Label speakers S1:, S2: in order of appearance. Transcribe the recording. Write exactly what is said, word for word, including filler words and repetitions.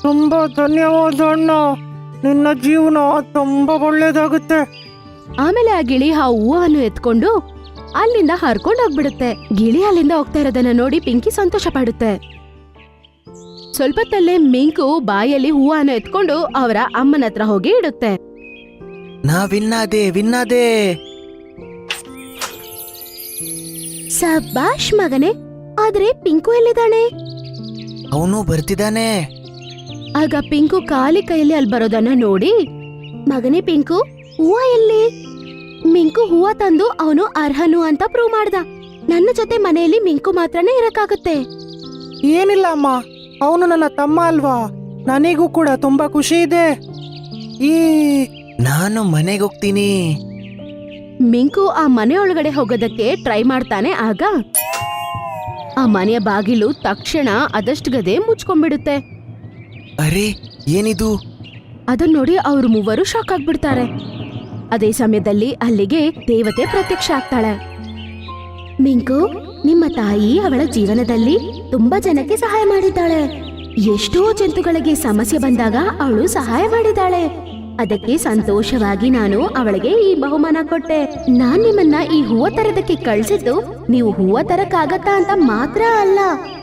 S1: ತುಂಬಾ ಧನ್ಯವಾದ ಅಣ್ಣ. ನಿನ್ನ ಜೀವನ ತುಂಬಾ ಒಳ್ಳೇದಾಗುತ್ತೆ.
S2: ಆಮೇಲೆ ಆ ಗಿಳಿ ಆ ಹೂವನ್ನು ಎತ್ಕೊಂಡು ಅಲ್ಲಿಂದ ಹರ್ಕೊಂಡು ಹೋಗ್ಬಿಡುತ್ತೆ. ಗಿಳಿ ಅಲ್ಲಿಂದ ಹೋಗ್ತಾ ಇರೋದನ್ನ ನೋಡಿ ಪಿಂಕಿ ಸಂತೋಷ ಪಡುತ್ತೆ. ಸ್ವಲ್ಪತ್ತಲ್ಲೇ ಮಿಂಕು ಬಾಯಲ್ಲಿ ಹೂವನ್ನು ಎತ್ಕೊಂಡು ಅವರ ಅಮ್ಮನ ಹತ್ರ ಹೋಗಿ ಇಡುತ್ತೆ.
S3: ನಾ ವಿನ್ನಾದೆ ವಿನ್ನಾದೆ
S2: ಸಬಾಷ್ ಮಗನೇ. ಆದ್ರೆ ಪಿಂಕು ಎಲ್ಲಿದ್ದಾನೆ?
S3: ಅವನು ಬರ್ತಿದ್ದಾನೆ.
S2: ಆಗ ಪಿಂಕು ಖಾಲಿ ಕೈಯಲ್ಲಿ ಅಲ್ಲಿ ಬರೋದನ್ನ ನೋಡಿ, ಮಗನೇ ಪಿಂಕು, ಹೂವ ಎಲ್ಲಿ? ಮಿಂಕು ಹೂವ ತಂದು ಅವನು ಅರ್ಹನು ಅಂತ ಪ್ರೂವ್ ಮಾಡ್ದ. ನನ್ನ ಜೊತೆ ಮನೆಯಲ್ಲಿ ಮಿಂಕು ಮಾತ್ರನೇ ಇರಕ್ಕಾಗುತ್ತೆ.
S1: ಏನಿಲ್ಲ ಅಮ್ಮ, ಅವನು ನನ್ನ ತಮ್ಮ ಅಲ್ವಾ. ನನಗೂ ಕೂಡ ತುಂಬಾ ಖುಷಿ ಇದೆ. ಈ
S3: ನಾನು ಮನೆಗೆ ಹೋಗ್ತೀನಿ.
S2: ಮಿಂಕು ಆ ಮನೆ ಒಳಗಡೆ ಹೋಗೋದಕ್ಕೆ ಟ್ರೈ ಮಾಡ್ತಾನೆ. ಆಗ ಆ ಮನೆಯ ಬಾಗಿಲು ತಕ್ಷಣ ಅದಷ್ಟು ಗದೆ ಮುಚ್ಕೊಂಡ್ಬಿಡುತ್ತೆ.
S3: ಅರೆ, ಏನಿದು?
S2: ಅದನ್ನ ನೋಡಿ ಅವ್ರು ಮೂವರು ಶಾಕ್ ಆಗ್ಬಿಡ್ತಾರೆ. ಅದೇ ಸಮಯದಲ್ಲಿ ಅಲ್ಲಿಗೆ ದೇವತೆ ಪ್ರತ್ಯಕ್ಷ ಆಗ್ತಾಳೆ. ಮಿಂಕು, ನಿಮ್ಮ ತಾಯಿ ಅವಳ ಜೀವನದಲ್ಲಿ ತುಂಬಾ ಜನಕ್ಕೆ ಸಹಾಯ ಮಾಡಿದ್ದಾಳೆ. ಎಷ್ಟೋ ಜಂತುಗಳಿಗೆ ಸಮಸ್ಯೆ ಬಂದಾಗ ಅವಳು ಸಹಾಯ ಮಾಡಿದ್ದಾಳೆ. ಅದಕ್ಕೆ ಸಂತೋಷವಾಗಿ ನಾನು ಅವಳಿಗೆ ಈ ಬಹುಮಾನ ಕೊಟ್ಟೆ. ನಾನ್ ನಿಮ್ಮನ್ನ ಈ ಹೂವ ತರದಕ್ಕೆ ಕಳ್ಸಿದ್ದು ನೀವು ಹೂವ ತರಕ್ಕಾಗತ್ತಾ ಅಂತ ಮಾತ್ರ ಅಲ್ಲ,